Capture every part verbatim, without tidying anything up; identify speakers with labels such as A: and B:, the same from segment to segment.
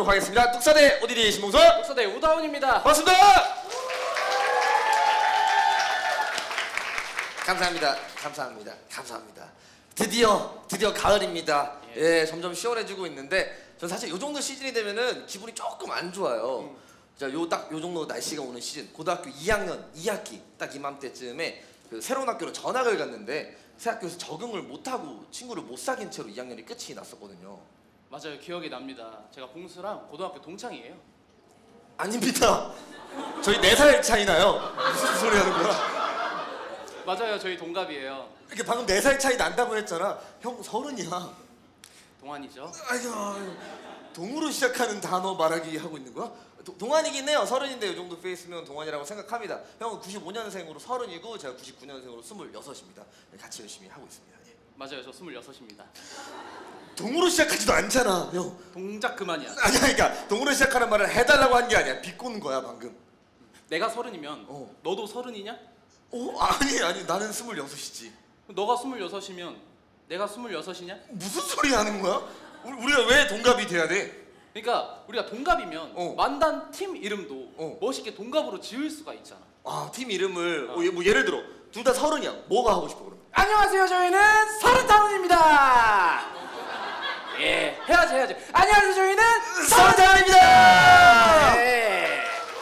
A: 모셔보도록 하겠습니다. 뚝사대 오디디 신봉선.
B: 뚝사대 우다운입니다.
A: 반갑습니다. 감사합니다. 감사합니다. 감사합니다. 드디어 드디어 가을입니다. 예, 예 점점 시원해지고 있는데 전 사실 요 정도 시즌이 되면은 기분이 조금 안 좋아요. 음. 자, 요 딱 요 정도 날씨가 오는 시즌, 고등학교 이 학년 이 학기 딱 이맘때쯤에 그 새로운 학교로 전학을 갔는데 새 학교에서 적응을 못하고 친구를 못 사귄 채로 이 학년이 끝이 났었거든요.
B: 맞아요, 기억이 납니다. 제가 봉수랑 고등학교 동창이에요.
A: 아닙니다. 저희 네 살 차이나요. 무슨 소리 하는 거야?
B: 맞아요, 저희 동갑이에요.
A: 이렇게 방금 네 살 차이 난다고 했잖아. 형 서른이야.
B: 동안이죠.
A: 아이고, 동으로 시작하는 단어 말하기 하고 있는 거야? 도, 동안이긴 해요. 서른인데 이 정도 페이스면 동안이라고 생각합니다. 형은 구십오 년생으로 서른이고 제가 구십구 년생으로 스물여섯입니다. 같이 열심히 하고 있습니다. 예.
B: 맞아요, 저 스물여섯입니다.
A: 동으로 시작하지도 않잖아, 형.
B: 동작 그만이야.
A: 아니야, 그러니까 동으로 시작하는 말을 해달라고 한 게 아니야. 비꼬는 거야, 방금.
B: 내가 서른이면
A: 어.
B: 너도 서른이냐?
A: 어? 아니, 아니, 나는 스물여섯이지.
B: 너가 스물여섯이면 내가 스물여섯이냐?
A: 무슨 소리 하는 거야? 우리, 우리가 왜 동갑이 돼야 돼?
B: 그러니까 우리가 동갑이면
A: 어.
B: 만단 팀 이름도
A: 어.
B: 멋있게 동갑으로 지을 수가 있잖아.
A: 아, 팀 이름을
B: 어.
A: 어, 뭐 예를 들어 둘 다 서른이야. 뭐가 하고 싶어 그러면?
B: 안녕하세요, 저희는 서른다운입니다. 예, 해야지 해야지. 안녕하세요, 저희는
A: 서른타운입니다.
B: 예.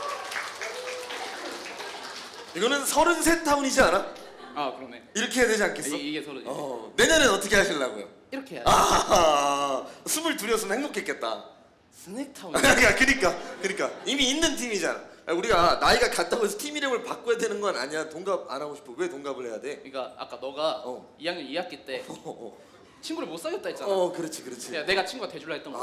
A: 이거는 서른셋 타운이지 않아?
B: 아, 그러네.
A: 이렇게 해야 되지 않겠어?
B: 이, 이게 서른.
A: 어, 내년엔 어떻게 하시려고요?
B: 이렇게 해야지.
A: 아, 스물둘이었으면 행복했겠다.
B: 스낵타운.
A: 그러니까, 그러니까, 그러니까 이미 있는 팀이잖아. 우리가 나이가 같다고 해서 팀 이름을 바꿔야 되는 건 아니야. 동갑 안 하고 싶어. 왜 동갑을 해야 돼?
B: 그러니까 아까 너가
A: 어.
B: 이 학년 이 학기 때
A: 어, 어,
B: 친구를 못 사귀었다 했잖아.
A: 어, 그렇지, 그렇지.
B: 야, 내가 친구가 돼줄라 했던 거.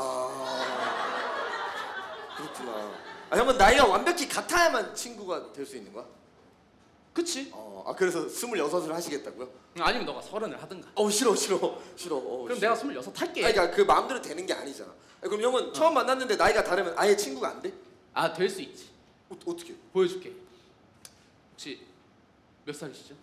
A: 아, 그렇구나. 아, 형은 나이가 완벽히 같아야만 친구가 될 수 있는 거야?
B: 그치?
A: 어, 아 그래서 스물여섯을 하시겠다고요?
B: 아니면 너가 서른을 하든가.
A: 어, 싫어, 싫어, 싫어. 어,
B: 그럼
A: 싫어.
B: 내가 스물여섯 할게.
A: 아니, 그러니까 그 마음대로 되는 게 아니잖아. 아니, 그럼 형은
B: 어.
A: 처음 만났는데 나이가 다르면 아예 친구가 안 돼?
B: 아, 될 수 있지.
A: 어, 어떻게?
B: 보여줄게. 혹시 몇 살이시죠?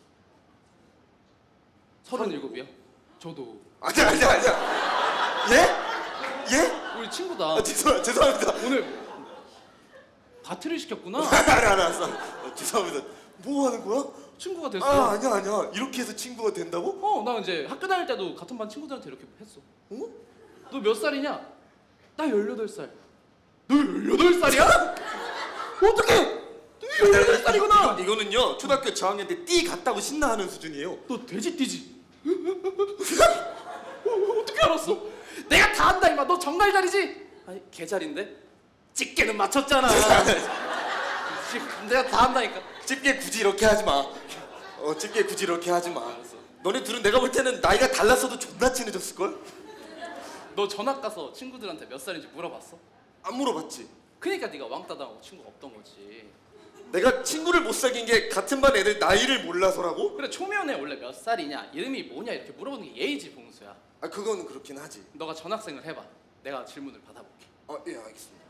B: 서른일곱이요? 저도.
A: 아니야, 아니야, 아니야. 예? 예?
B: 우리 친구다.
A: 아, 죄송, 죄송합니다.
B: 오늘 바트를 시켰구나.
A: 알아, 알았어. 어, 죄송합니다. 뭐 하는 거야?
B: 친구가 됐어.
A: 아, 아니야, 아니야. 이렇게 해서 친구가 된다고?
B: 어, 나 이제 학교 다닐 때도 같은 반 친구들한테 이렇게 했어.
A: 어?
B: 너 몇 살이냐? 나 열여덟 살. 너 열여덟 살이야? 어떡해? 너 열여덟 살이구나.
A: 이거, 이거는요 초등학교 저학년 때 띠 같다고 신나하는 수준이에요.
B: 너 돼지 띠지? 어, 어떻게 알았어? 내가 다 안다 임마. 너 정갈 자리지? 아니 개자리인데? 집게는 맞췄잖아. 내가 다 안다니까.
A: 집게 굳이 이렇게 하지 마. 어, 집게 굳이 이렇게 하지 마.
B: 알았어.
A: 너네 둘은 내가 볼 때는 나이가 달랐어도 존나 친해졌을 걸?
B: 너 전학 가서 친구들한테 몇 살인지 물어봤어?
A: 안 물어봤지.
B: 그러니까 네가 왕따 당하고 친구가 없던 거지.
A: 내가 친구를 못 사귄 게 같은 반 애들 나이를 몰라서라고?
B: 그래, 초면에 원래 몇 살이냐, 이름이 뭐냐 이렇게 물어보는 게 예의지, 봉수야.
A: 아, 그건 그렇긴 하지.
B: 너가 전학생을 해봐. 내가 질문을 받아볼게.
A: 어, 예, 알겠습니다.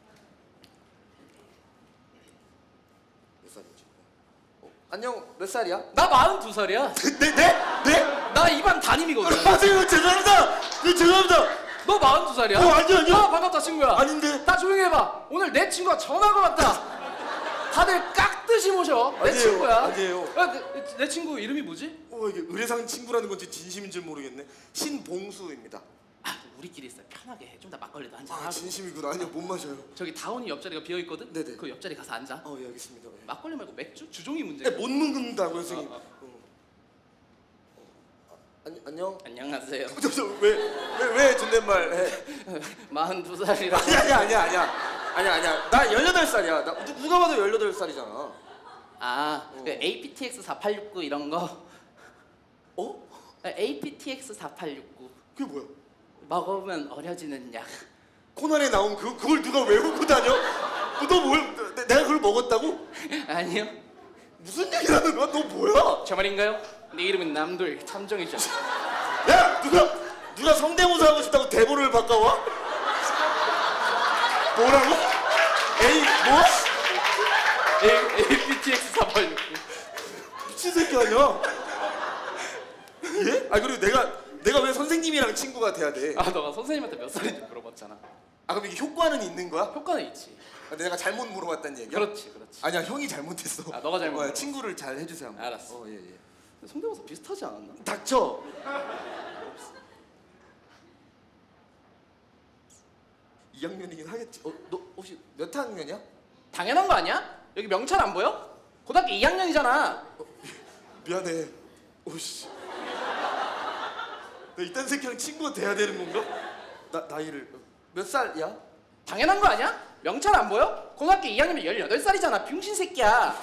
A: 몇 살이지? 어, 안녕, 몇 살이야?
B: 나 마흔두 살이야.
A: 네, 네, 네?
B: 나 이 반 담임이거든.
A: 아, 죄송- 죄송합니다. 네, 죄송합니다.
B: 너 마흔두 살이야?
A: 어, 아니요, 아니요.
B: 아, 반갑다, 친구야.
A: 아닌데.
B: 다 조용히 해봐. 오늘 내 친구가 전화가 왔다. 다들 깍듯이 모셔. 내
A: 아니에요,
B: 친구야.
A: 아니에요.
B: 야, 내, 내 친구 이름이 뭐지?
A: 어, 이게 의례상 친구라는 건지 진심인지 모르겠네. 신봉수입니다.
B: 아, 우리끼리 있어. 편하게 해. 좀 더 막걸리도 한잔
A: 아,
B: 하고.
A: 진심이구나. 아니요, 못 마셔요.
B: 저기 다운이 옆자리가 비어 있거든.
A: 네네.
B: 그 옆자리 가서 앉아.
A: 어, 예, 알겠습니다. 예.
B: 막걸리 말고 맥주? 주종이 문제.
A: 네, 못 먹는다고요, 선생님.
B: 아, 아.
A: 어. 어, 아니, 안녕.
B: 안녕하세요.
A: 왜왜왜 존댓말 해?
B: 마흔두 살이라.
A: 아니 아니야 아니야 아니야 아니야 아니야. 나 열여덟 살이야. 나 누, 누가 봐도 열여덟 살이잖아.
B: 아,
A: 어.
B: 그 에이피티엑스 사팔육구 이런 거.
A: 어?
B: 에이피티엑스 사팔육구
A: 그게 뭐야?
B: 먹으면 어려지는 약.
A: 코난에 나온 그 그걸 누가 외우고 다녀? 너뭘 내가 그걸 먹었다고?
B: 아니요.
A: 무슨 얘기를 하는 거야? 너 뭐야?
B: 저 말인가요? 네 이름은 남돌 탐정이죠.
A: 야 누가 누가 성대모사 하고 싶다고 대본을 바꿔와? 뭐라고? 에이 뭐?
B: 에이피티엑스 사팔육구.
A: 미친 새끼 아니야? 예? 아 그리고 내가 내가 왜 선생님이랑 친구가 돼야 돼?
B: 아, 너가 선생님한테 몇 살인지 물어봤잖아.
C: 아 그럼 이게 효과는 있는 거야?
B: 효과는 있지.
C: 아, 내가 잘못 물어봤다는 얘기야?
B: 그렇지, 그렇지.
C: 아니야 형이 잘못했어.
B: 아, 너가 잘못
C: 어,
B: 물어봤어.
C: 친구를 잘 해주세요. 한번.
B: 알았어.
C: 어, 예, 예.
B: 성대모사 비슷하지 않았나?
A: 닥쳐.
C: 이 학년이긴 하겠지. 어, 너 혹시 몇 학년이야?
B: 당연한 거 아니야? 여기 명찰 안 보여? 고등학교 이 학년이잖아.
C: 미안해. 오씨. 나 이딴 새끼랑 친구가 돼야 되는 건가? 나 나이를
A: 몇 살이야?
B: 당연한 거 아니야? 명찰 안 보여? 고등학교 이 학년이면 열여덟 살이잖아. 병신 새끼야.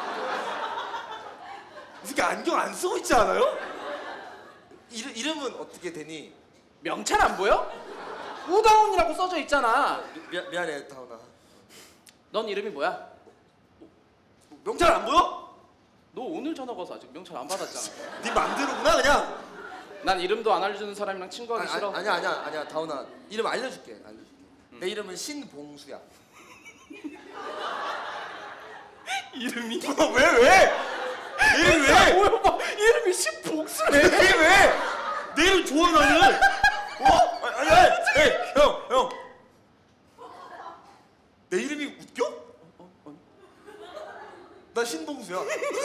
C: 이 새끼 안경 안 쓰고 있지 않아요?
A: 이름 이름은 어떻게 되니?
B: 명찰 안 보여? 우다운이라고 써져 있잖아.
A: 미, 미안해 다운아.
B: 넌 이름이 뭐야?
A: 명찰 안 보여?
B: 너 오늘 전화 가서 아직 명찰 안 받았잖아.
C: 네 맘대로구나 그냥.
B: 난 이름도 안 알려주는 사람이랑 친구하기
A: 아니,
B: 싫어.
A: 아니, 아니야 아니야 아니야 다운아. 이름 알려줄게. 알려줄게. 내 이름은 신봉수야.
C: 이름이? 어, 왜 왜? 내 이름 왜?
B: 뭐야, 봐. 이름이 신봉수래.
C: 내 왜? 내 이름 좋아 나는. 어? 아니 아니. 에이, 형 형. 내 이름이 웃겨?
B: 어,
C: 나 신봉수야.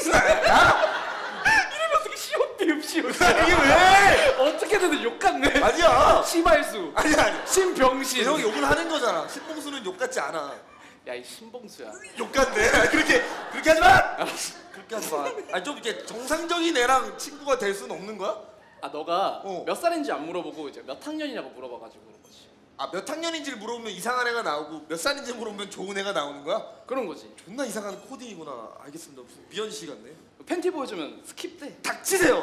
B: 이름이 어떻게 시옷 비읍 시옷?
C: 이게 왜?
B: 어떻게든 욕 같네.
C: 아니야.
B: 시발수.
C: 아니 아니.
B: 신병신.
C: 형이 욕을 하는 거잖아. 신봉수는 욕 같지 않아.
B: 야, 이 신봉수야.
C: 욕 같네. 그렇게 그렇게 하지 마.
A: 그렇게 하지 마.
C: 아니 좀 이렇게 정상적인 애랑 친구가 될 수는 없는 거야?
B: 아, 너가
C: 어.
B: 몇 살인지 안 물어보고 이제 몇 학년이냐고 물어봐가지고 그런 거지.
C: 아 몇 학년인지를 물어보면 이상한 애가 나오고 몇 살인지 물어보면 좋은 애가 나오는 거야?
B: 그런 거지.
C: 존나 이상한 코딩이구나. 알겠습니다. 무슨 미연 씨 같네.
B: 팬티 보여주면 스킵돼.
C: 닥치세요.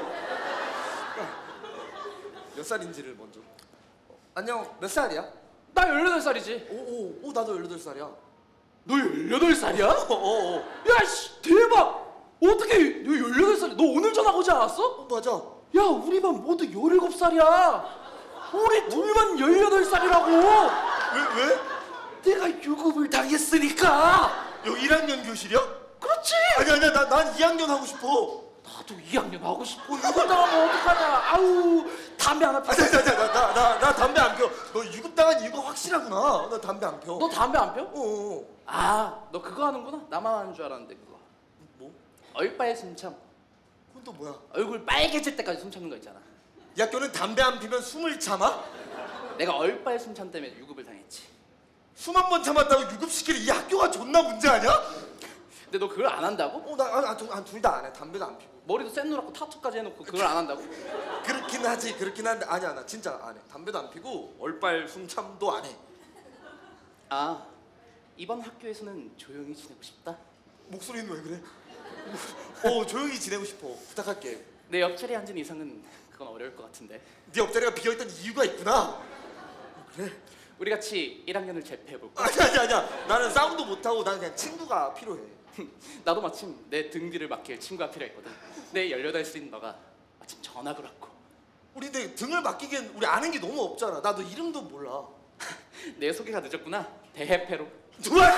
C: 몇 살인지를 먼저.
A: 안녕 몇 살이야?
B: 나 열여덟 살이지.
A: 오오 오 나도 열여덟 살이야.
B: 너 열여덟 살이야?
A: 어어 어,
B: 야, 씨, 대박! 어떻게 너 열여덟 살? 너 오늘 전화 오지 않았어?
A: 어, 맞아.
B: 야, 우리 반 모두 열일곱 살이야. 우리 둘만 열여덟 살이라고.
C: 왜 왜?
B: 내가 유급을 당했으니까.
C: 여기 일 학년 교실이야?
B: 그렇지.
C: 아니 아니야 나 난 이 학년 하고 싶어.
B: 나도 이 학년 하고 싶어. 유급 당하면 어떡하냐. 아우, 담배 하나 피워.
C: 아니 아니 나나 나 나 담배 안 펴. 너 유급 당한 이유가 확실하구나. 나 담배 안 펴.
B: 너 담배 안 펴?
C: 어.
B: 아, 너 그거 하는구나. 나만 하는 줄 알았는데 그거.
C: 뭐?
B: 얼빨 숨참.
C: 그건 또 뭐야?
B: 얼굴 빨개질 때까지 숨 참는 거 있잖아.
C: 이 학교는 담배 안 피면 숨을 참아?
B: 내가 얼빨 숨참 때문에 유급을 당했지.
C: 숨 한 번 참았다고 유급시키는 이 학교가 존나 문제 아니야?
B: 근데 너 그걸 안 한다고?
A: 어나둘 다 안 해. 담배도 안 피고.
B: 머리도 쌩 노랗고 타투까지 해놓고 그걸 안 한다고?
A: 그렇긴 하지. 그렇긴 한데 아니야 나 진짜 안 해. 담배도 안 피고 얼빨 숨참도 안 해.
B: 아, 이번 학교에서는 조용히 지내고 싶다.
C: 목소리는 왜 그래? 어 조용히 지내고 싶어. 부탁할게.
B: 내 옆자리에 앉은 이상은 그건 어려울 것 같은데.
C: 네 옆자리가 비어있던 이유가 있구나. 그래?
B: 우리 같이 일 학년을 재패해볼까?
C: 아니 아니 아니야.
A: 나는 싸움도 못 하고 나는 그냥 친구가 필요해.
B: 나도 마침 내 등 뒤를 맡길 친구가 필요했거든. 내 열여덟 살인 너가 마침 전학을 왔고.
A: 우리 근데 등을 맡기기엔 우리 아는 게 너무 없잖아. 나 너 이름도 몰라.
B: 내 소개가 늦었구나. 대해패로.
C: 누가?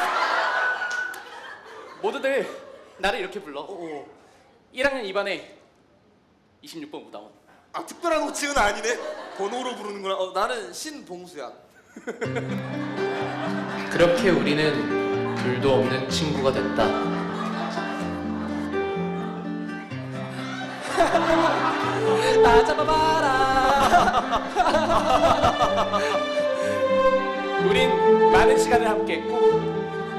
B: 모두들 나를 이렇게 불러.
A: 어어.
B: 일 학년 이 반에 이십육 번 우다원.
C: 아 특별한 호칭은 아니네. 번호로 부르는구나. 어,
A: 어 나는 신봉수야.
D: 그렇게 우리는 둘도 없는 친구가 됐다.
B: 나 잡아봐라. 우린 많은 시간을 함께했고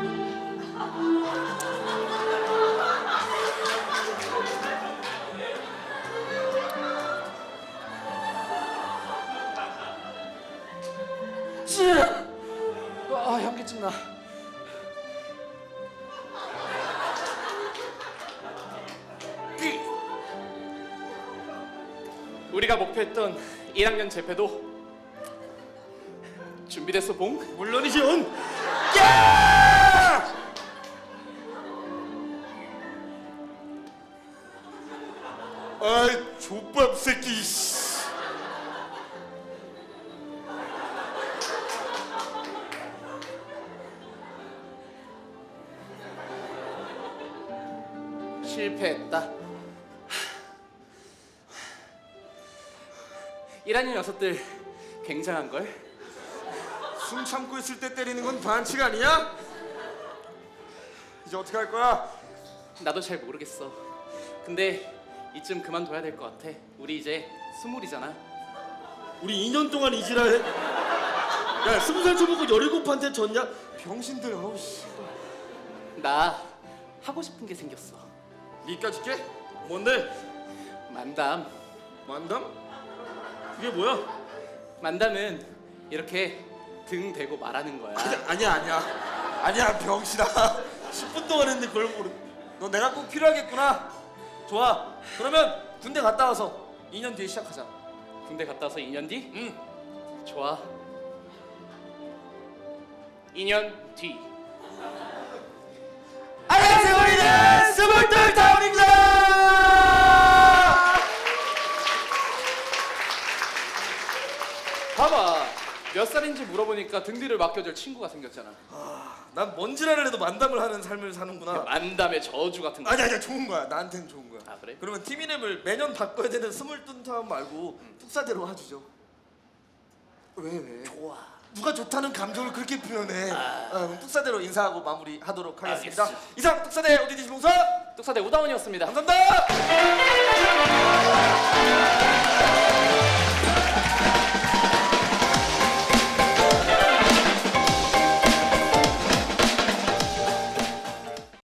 B: 아, 현기증 나. 우리가 목표했던 일 학년 재패도 준비됐어, 봉?
C: 물론이죠. 야! 아이 족밥 새끼. 씨.
B: 실패했다. 일 학년 녀석들 굉장한 걸.
C: 숨 참고 있을 때 때리는 건 반칙 아니야? 이제 어떻게 할 거야?
B: 나도 잘 모르겠어. 근데 이쯤 그만둬야 될 것 같아. 우리 이제 스물이잖아.
C: 우리 이 년 동안 이 지랄 해? 야 스무 살 쳐보고 열일곱한테 졌냐? 병신들 어우 씨.
B: 나 하고 싶은 게 생겼어.
C: 니까지 게? 뭔데?
B: 만담.
C: 만담? 그게 뭐야?
B: 만담은 이렇게 등 대고 말하는 거야.
C: 아니야 아니야 아니야 아니야 병신아. 십 분 동안 했는데 그걸 모르. 너 내가 꼭 필요하겠구나. 좋아. 그러면 군대 갔다 와서 이 년 뒤에 시작하자.
B: 군대 갔다 와서 이 년 뒤?
C: 응.
B: 좋아. 이 년 뒤.
C: 안녕하세요 우리는 스물둘 타운입니다.
B: 봐봐. 몇 살인지 물어보니까 등 뒤를 맡겨줄 친구가 생겼잖아.
C: 난 뭔지라를 해도 만담을 하는 삶을 사는구나.
B: 만담의 저주 같은 거.
C: 아니 아니야 좋은 거야. 나한테는 좋은 거야.
B: 아, 그래?
C: 그러면 팀 이름을 매년 바꿔야 되는 스물둘 타운 말고 푹사대로 해주죠. 왜 왜?
B: 좋아.
C: 누가 좋다는 감정을 그렇게 표현해. 어, 그럼 뚝사대로 인사하고 마무리하도록 하겠습니다.
B: 알겠어.
C: 이상 뚝사대 오디디 봉사
B: 뚝사대 우다원이었습니다.
C: 감사합니다.